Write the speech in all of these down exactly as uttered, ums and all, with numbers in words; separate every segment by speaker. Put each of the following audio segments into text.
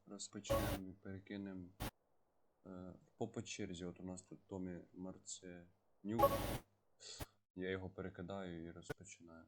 Speaker 1: розпочнемо і перекинемо е, по по черзі. От у нас тут Томі Марценюк. Я його перекидаю і розпочинаємо.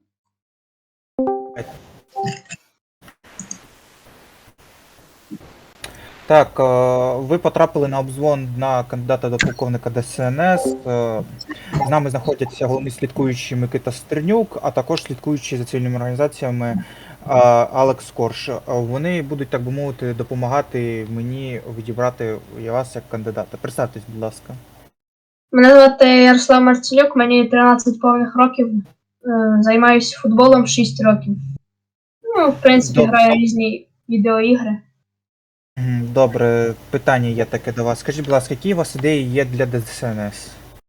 Speaker 2: Так, е, ви потрапили на обзвон на кандидата до полковника ДСНС. Е, З нами знаходяться головний слідкуючий Микита Стернюк, а також слідкуючий за цивільними організаціями е, Алекс Корж. Е, Вони будуть, так би мовити, допомагати мені відібрати вас як кандидата. Представтесь, будь ласка.
Speaker 3: Мене звати Ярослав Марцелюк, мені тринадцять повних років, е, займаюся футболом шість років. Ну, в принципі,
Speaker 2: Добре.
Speaker 3: граю різні відеоігри.
Speaker 2: М, Добре, питання є таке до вас. Скажіть, будь ласка, які у вас ідеї є для ДСНС?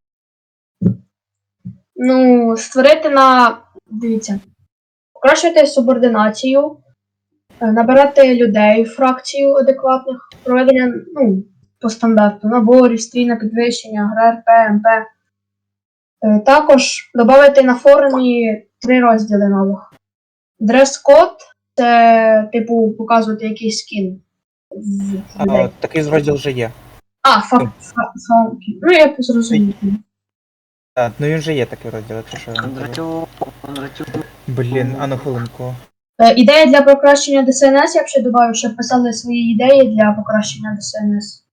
Speaker 3: Ну, створити на, дивіться, покращувати субординацію, е, набирати людей в фракцію адекватних, проведення, ну, по стандарту, наборів, стрій підвищення, ГРП, МП. Е, Також додати на форумі три розділи нових. Дрес-код – це, типу, показувати якийсь скін з
Speaker 2: А,
Speaker 3: людей.
Speaker 2: Такий розділ вже є.
Speaker 3: А, факт, факт. Ну, я зрозумів.
Speaker 2: Так, ну він вже є такий розділ, якщо що. я не кажу.
Speaker 4: Кондратюк, Кондратюк.
Speaker 2: Блін, а ну хвилинку.
Speaker 3: Е, Ідея для покращення ДСНС, я б ще додав, щоб писали свої ідеї для покращення ДСНС.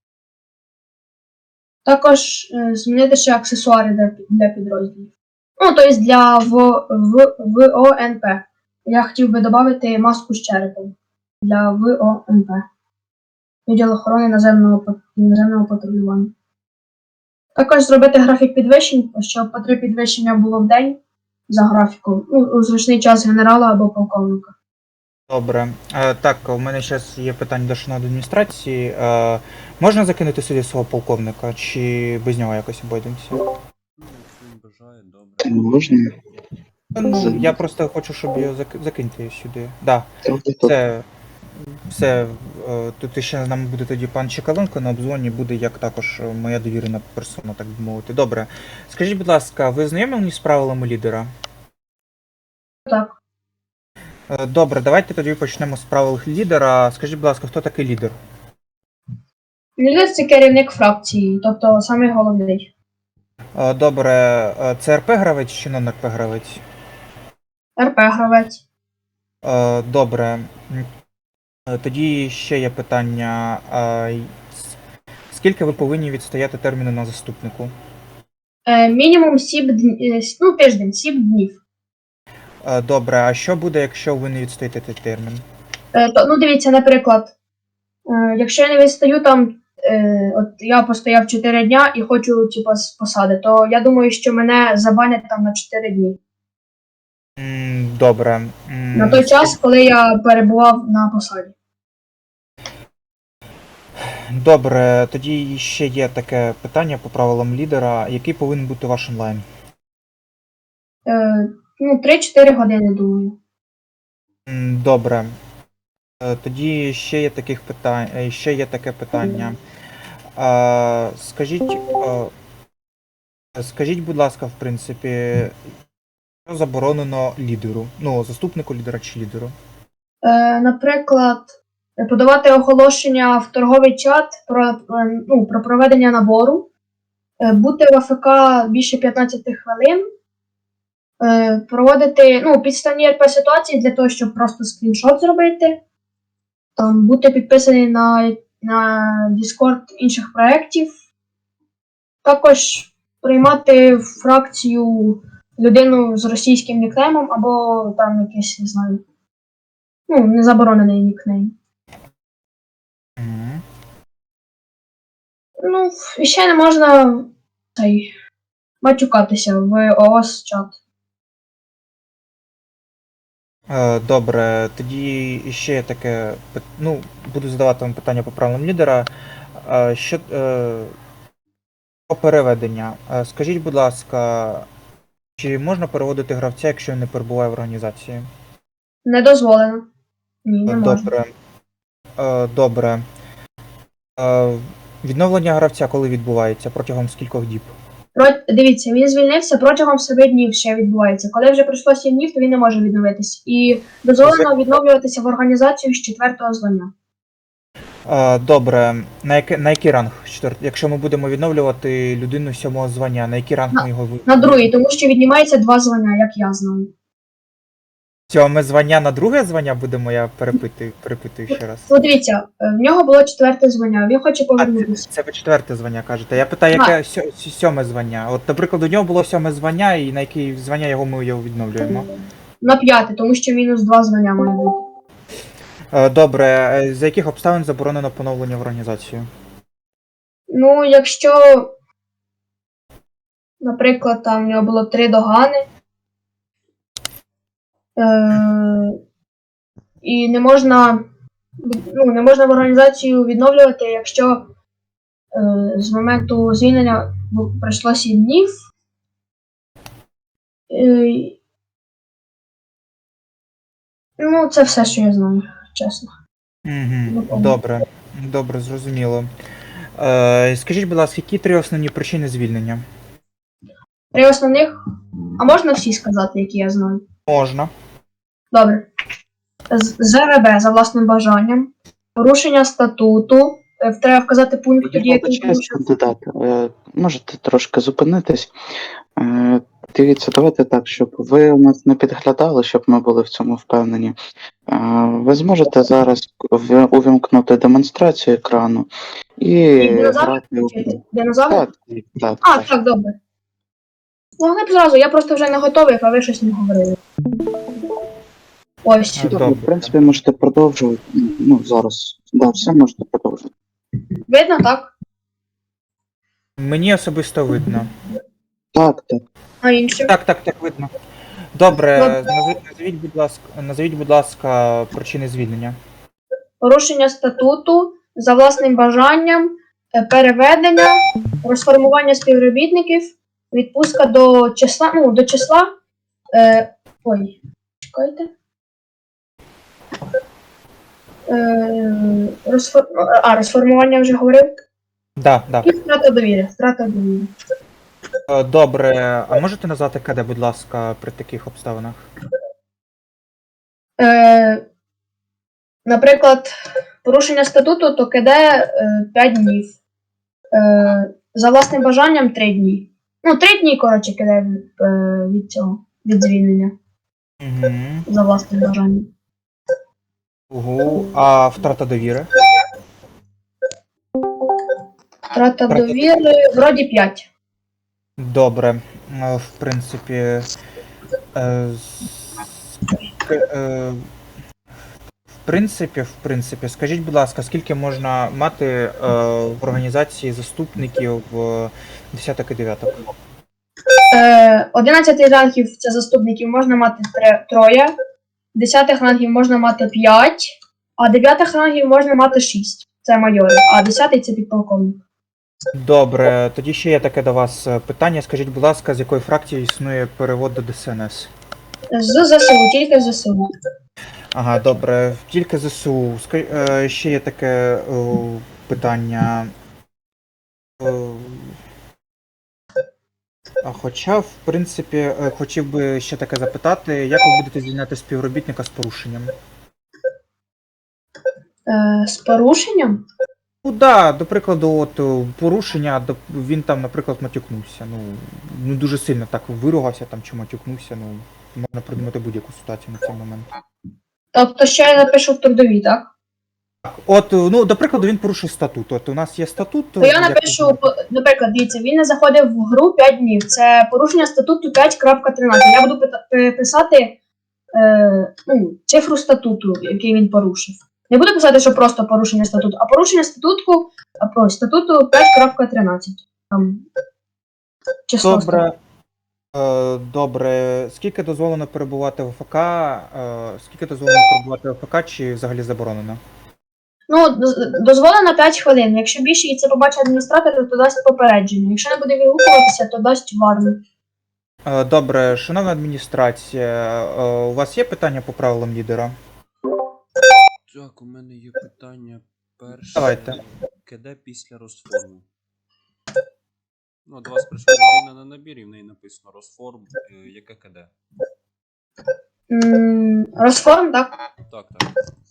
Speaker 3: Також е, змінити ще аксесуари для, для підрозділів. Ну, тобто для в, в, ВОНП. Я хотів би додати маску з черепом для ВОНП. Відділ охорони наземного, пат- наземного патрулювання. Також зробити графік підвищень, щоб по три підвищення було в день за графіком. Ну, у зручний час генерала або полковника.
Speaker 2: Добре. Е, так, у мене зараз є питання до шановної адміністрації. Е, можна закинути сюди свого полковника, чи без нього якось обійдемося?
Speaker 1: Ну, якщо він бажає, добре.
Speaker 5: Можна?
Speaker 2: Ну, я просто хочу, щоб його зак- закиньте сюди. Да,
Speaker 5: Трохи
Speaker 2: це все. е, Тут ще з нами буде тоді пан Чекаленко на обзвоні, буде як також моя довірена персона, так би мовити. Добре. Скажіть, будь ласка, ви знайомі з правилами лідера?
Speaker 3: Так.
Speaker 2: Е, Добре, давайте тоді почнемо з правил лідера. Скажіть, будь ласка, хто такий лідер?
Speaker 3: Лідер – це керівник фракції, тобто самий головний.
Speaker 2: Е, Добре, е, це РП гравець чи нон РП гравець?
Speaker 3: РП-гравець.
Speaker 2: Е, Добре. М, е, Тоді ще є питання. А, й- с- Скільки ви повинні відстояти терміну на заступнику?
Speaker 3: Е, мінімум сім днів, ну, тиждень, сім днів.
Speaker 2: Е, Добре, а що буде, якщо ви не відстоїте цей термін?
Speaker 3: Е, то, ну, дивіться, наприклад, е, якщо я не відстаю там, е, от я постояв чотири дня і хочу, типу, з посади, то я думаю, що мене забанять там на чотири дні.
Speaker 2: М, Добре. М,
Speaker 3: На той час, коли я перебував на посаді.
Speaker 2: Добре, тоді ще є таке питання по правилам лідера. Який повинен бути ваш онлайн?
Speaker 3: Е, ну, три-чотири години, думаю.
Speaker 2: М, Добре. Е, Тоді ще є таких питань, е, ще є таке питання. А, Скажіть, е, скажіть, будь ласка, в принципі, що заборонено лідеру? Ну, заступнику лідера чи лідеру?
Speaker 3: Е, наприклад, подавати оголошення в торговий чат про, е, ну, про проведення набору, е, бути в АФК більше п'ятнадцяти хвилин, е, проводити ну, підставні РП ситуації для того, щоб просто скріншот зробити, там, бути підписаний на, на Discord інших проєктів, також приймати в фракцію людину з російським нікнеймом або там якийсь, не знаю, ну, незаборонений нікнейм.
Speaker 2: Мгм.
Speaker 3: Ну, і ще не можна цей, матюкатися в ООС чат.
Speaker 2: Е, Добре, тоді ще є таке, пит- ну, буду задавати вам питання по правилам лідера. Е, Що е, по переведення? Е, Скажіть, будь ласка, чи можна переводити гравця, якщо він не перебуває в організації?
Speaker 3: Не дозволено. Ні, не можна.
Speaker 2: Добре. Е, Добре. Е, Відновлення гравця коли відбувається? Протягом скількох діб?
Speaker 3: Про... Дивіться, він звільнився протягом семи днів ще відбувається. Коли вже пройшло сім днів, то він не може відновитись. І дозволено відновлюватися в організацію з четвертого звання.
Speaker 2: Е, Добре, на який, на який ранг? Четвер- Якщо ми будемо відновлювати людину сьомого звання, на який ранг ми його ви-
Speaker 3: На другий, тому що віднімається два звання, як я знаю.
Speaker 2: Сьоме звання на друге звання будемо, я перепитую, перепитую ще раз.
Speaker 3: Ну, дивіться, е, в нього було четверте звання, він хоче
Speaker 2: А, це,
Speaker 3: повернутися.
Speaker 2: це ви четверте звання кажете. Я питаю, яке сьо- сьо- сьоме звання? От, наприклад, у нього було сьоме звання, і на яке звання його ми його відновлюємо.
Speaker 3: На п'яте, тому що мінус два звання має бути.
Speaker 2: Е, Добре, е, за яких обставин заборонено поновлення в організацію?
Speaker 3: Ну, якщо, наприклад, там в нього було три догани, е- і не можна, ну, не можна в організацію відновлювати, якщо е- з моменту звільнення бу- пройшло сім днів. Е- ну, це все, що я знаю, чесно.
Speaker 2: Угу, добре, добре, зрозуміло. Е, скажіть, будь ласка, які три основні причини звільнення?
Speaker 3: Три основних, а можна всі сказати, які я знаю?
Speaker 2: Можна.
Speaker 3: Добре. З- ЗРБ за власним бажанням, порушення статуту. Е, Треба вказати пункт, тоді
Speaker 4: Я
Speaker 3: який
Speaker 4: вибачаюсь,
Speaker 3: порушив.
Speaker 4: кандидат. Е, Можете трошки зупинитись. Е, Дивіться, давайте так, щоб ви у нас не підглядали, щоб ми були в цьому впевнені. Е, Ви зможете зараз в- увімкнути демонстрацію екрану і
Speaker 3: Динозавр
Speaker 4: грати у.
Speaker 3: включити? Динозавр?
Speaker 4: Так, так,
Speaker 3: А,
Speaker 4: так.
Speaker 3: так, добре. Ну, не б зразу, я просто вже не готовий, а ви щось не говорили. Ось.
Speaker 2: А,
Speaker 4: Так,
Speaker 2: добре.
Speaker 4: в принципі, можете продовжувати. Ну, зараз. Да, все можете продовжувати.
Speaker 3: Видно, так?
Speaker 2: Мені особисто видно.
Speaker 4: Так, так.
Speaker 3: А інше?
Speaker 2: Так, так, так, видно. Добре,
Speaker 3: Добре.
Speaker 2: назв- назвіть, будь ласка, назвіть, будь ласка, причини звільнення.
Speaker 3: Порушення статуту за власним бажанням, е, переведення, розформування співробітників, відпустка до числа, ну, до числа. Е, ой, чекайте. Е, розфор... А, розформування вже говорив.
Speaker 2: Да, да.
Speaker 3: І втрата довіри. Втрата довіри.
Speaker 2: Е, Добре, а можете назвати КД, будь ласка, при таких обставинах?
Speaker 3: Е, наприклад, порушення статуту, то КД е, п'ять днів. Е, за власним бажанням три дні. Ну, три дні, коротше, КД від, е, від цього, від звільнення.
Speaker 2: Угу.
Speaker 3: За власним бажанням.
Speaker 2: Угу. А втрата довіри?
Speaker 3: Втрата
Speaker 2: Втрата
Speaker 3: довіри, вроді п'ять.
Speaker 2: Добре. Е, В принципі. е, с- к- е, В принципі, в принципі, скажіть, будь ласка, скільки можна мати е, в організації заступників е, десяток і дев'яток?
Speaker 3: Е, одинадцятий рангів це заступників можна мати тре- троє, десятих рангів можна мати п'ять, а дев'ятих рангів можна мати шість. Це майори, а десятий це підполковник.
Speaker 2: Добре, тоді ще є таке до вас е, питання. Скажіть, будь ласка, з якої фракції існує перевод до ДСНС?
Speaker 3: З ЗСУ, тільки з ЗСУ.
Speaker 2: Ага, добре, тільки ЗСУ. Ска- е, Ще є таке е, питання. Е, А хоча, в принципі, е, хотів би ще таке запитати, як ви будете звільняти співробітника з порушенням?
Speaker 3: Е, з порушенням?
Speaker 2: Ну да, до прикладу, от е, порушення, доп- він там, наприклад, матюкнувся. Ну, ну дуже сильно так виругався там чи матюкнувся, ну, можна придумати будь-яку ситуацію на цей момент.
Speaker 3: Тобто, що я напишу в трудовій, так?
Speaker 2: Так, от, е, ну, до прикладу, він порушив статут. От у нас є статут.
Speaker 3: То я
Speaker 2: як
Speaker 3: напишу,
Speaker 2: ви-
Speaker 3: по- наприклад, дивіться, він не заходив в гру п'ять днів. Це порушення статуту п'ять крапка тринадцять. Я буду пита- пи- писати е, ну, цифру статуту, який він порушив. Не буду писати, що просто порушення статуту, а порушення статутку, а, про статуту п'ять крапка тринадцять. Там число.
Speaker 2: Добре. Е, Добре. Скільки дозволено перебувати в ОФК? Е, Скільки дозволено перебувати в ОФК, чи взагалі заборонено?
Speaker 3: Ну, доз- дозволено п'ять хвилин. Якщо більше і це побачить адміністратор, то дасть попередження. Якщо не буде відгукуватися, то дасть варну.
Speaker 2: Е, Добре, шановна адміністрація, е, у вас є питання по правилам лідера?
Speaker 1: Так, у мене є питання перше.
Speaker 2: Давайте.
Speaker 1: КД після розформу. Ну, до вас прийшла людина на набір, і в неї написано розформ. Е, Яке КД?
Speaker 3: М, Розформ, так?
Speaker 1: Так, так.